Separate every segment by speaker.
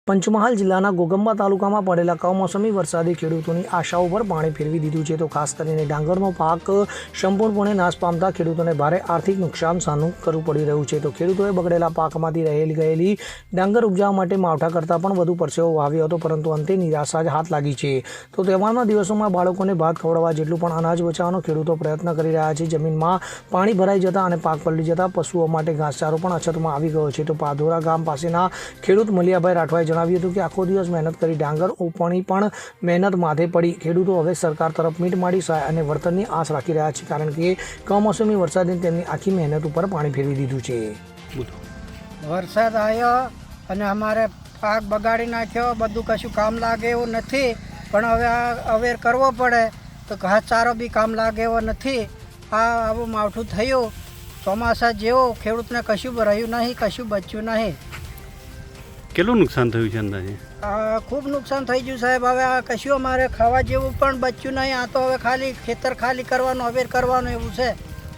Speaker 1: પંચમહાલ જિલ્લાના ગોગંબા તાલુકામાં પડેલા કમોસમી વરસાદે ખેડૂતોની આશાઓ પર પાણી ફેરવી દીધું છે. તો ખાસ કરીને ડાંગરનો પાક સંપૂર્ણપણે નાશ પામતા ખેડૂતોને ભારે આર્થિક નુકસાન સામનું કરવું પડી રહ્યું છે. તો ખેડૂતોએ બગડેલા પાકમાંથી ગયેલી ડાંગર ઉપજાવવા માટે માવઠા કરતાં પણ વધુ પરસેવો વાવ્યો હતો, પરંતુ અંતે નિરાશા જ હાથ લાગી છે. તો તહેવારના દિવસોમાં બાળકોને ભાત ખવડાવવા જેટલું પણ અનાજ બચાવવાનો ખેડૂતો પ્રયત્ન કરી રહ્યા છે. જમીનમાં પાણી ભરાઈ જતાં અને પાક પલળી જતાં પશુઓ માટે ઘાસચારો પણ અછતમાં આવી ગયો છે. તો પાધોરા ગામ પાસેના ખેડૂત મલિયાભાઈ રાઠવાએ જણાવ્યું હતું કે આખો દિવસ મહેનત કરી ડાંગર ઉપણી પણ મહેનત માથે પડી. ખેડૂતો હવે સરકાર તરફ મીટ માંડી સહાય અને વળતરની આશ રાખી રહ્યા છે, કારણ કે કમોસમી વરસાદે તેમની આખી મહેનત ઉપર પાણી ફેરવી દીધું છે.
Speaker 2: વરસાદ આવ્યો અને અમારે પાક બગાડી નાખ્યો, બધું કશું કામ લાગે એવું નથી. પણ હવે આ અવેર કરવો પડે તો ઘાસચારો બી કામ લાગે એવો નથી. આ આવું માવઠું થયું ચોમાસા જેવું, ખેડૂતને કશું રહ્યું નહીં, કશું બચ્યું નહીં.
Speaker 3: કેટલું નુકસાન થયું છે અંદાજે?
Speaker 2: ખૂબ નુકસાન થઈ ગયું સાહેબ. હવે આ કશું અમારે ખાવા જેવું પણ બચ્યું નહીં. આ તો હવે ખાલી ખેતર ખાલી કરવાનું, અવેર કરવાનું એવું છે.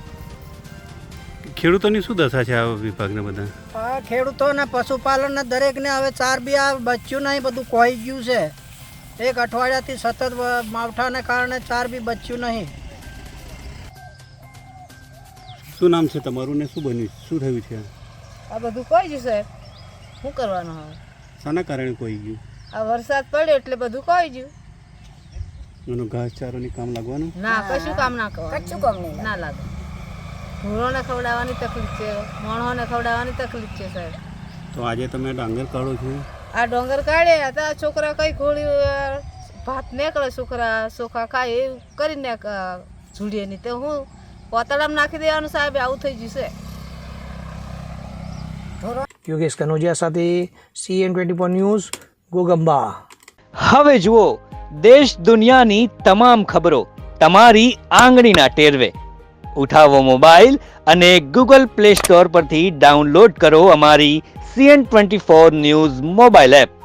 Speaker 3: ખેડૂતોની શું દશા છે આ વિભાગને બધા?
Speaker 2: આ ખેડૂતોને પશુપાલનને દરેકને હવે ચાર બી આ બચ્યું નહીં, બધું કોઈ ગયું છે. એક અઠવાડિયાથી સતત માવઠાને કારણે ચાર બી બચ્યું નહીં.
Speaker 3: શું નામ છે તમારું ને શું બન્યું, શું થયું છે?
Speaker 4: આ બધું કોઈ ગયું સાહેબ, શું કરવાનું હવે?
Speaker 3: શાના કારણે કોઈ ગયું?
Speaker 4: આ વરસાદ પડ્યો એટલે બધું કોઈ ગયું.
Speaker 3: એનું ઘાસચારોની કામ લાગવાનું?
Speaker 4: ના, કશું કામ ના કરવાનું, કશું કામ નહીં ના લાગે. ઢોરોને ખવડાવવાની તકલીફ છે, માણસોને ખવડાવવાની તકલીફ છે સાહેબ.
Speaker 3: તો આજે તમે ડાંગર કાઢો છો?
Speaker 4: આ ડોંગર કાઢ્યા હતા, છોકરા કઈ ગોળી ભાત નીકળે, છોકરા ચોખા ખાય એવું કરીને ઝૂડીએ નહીં તો હું પોતાળામાં નાખી દેવાનું સાહેબ. આવું થઈ ગયું છે.
Speaker 1: યોગેશ કનોજિયા સાથે CN24 ન્યૂઝ, ગોગંબા.
Speaker 5: હવે જુઓ દેશ દુનિયાની તમામ ખબરો તમારી આંગળીના ટેરવે. ઉઠાવો મોબાઈલ અને Google Play Store પરથી ડાઉનલોડ કરો અમારી CN24 ન્યૂઝ મોબાઈલ એપ.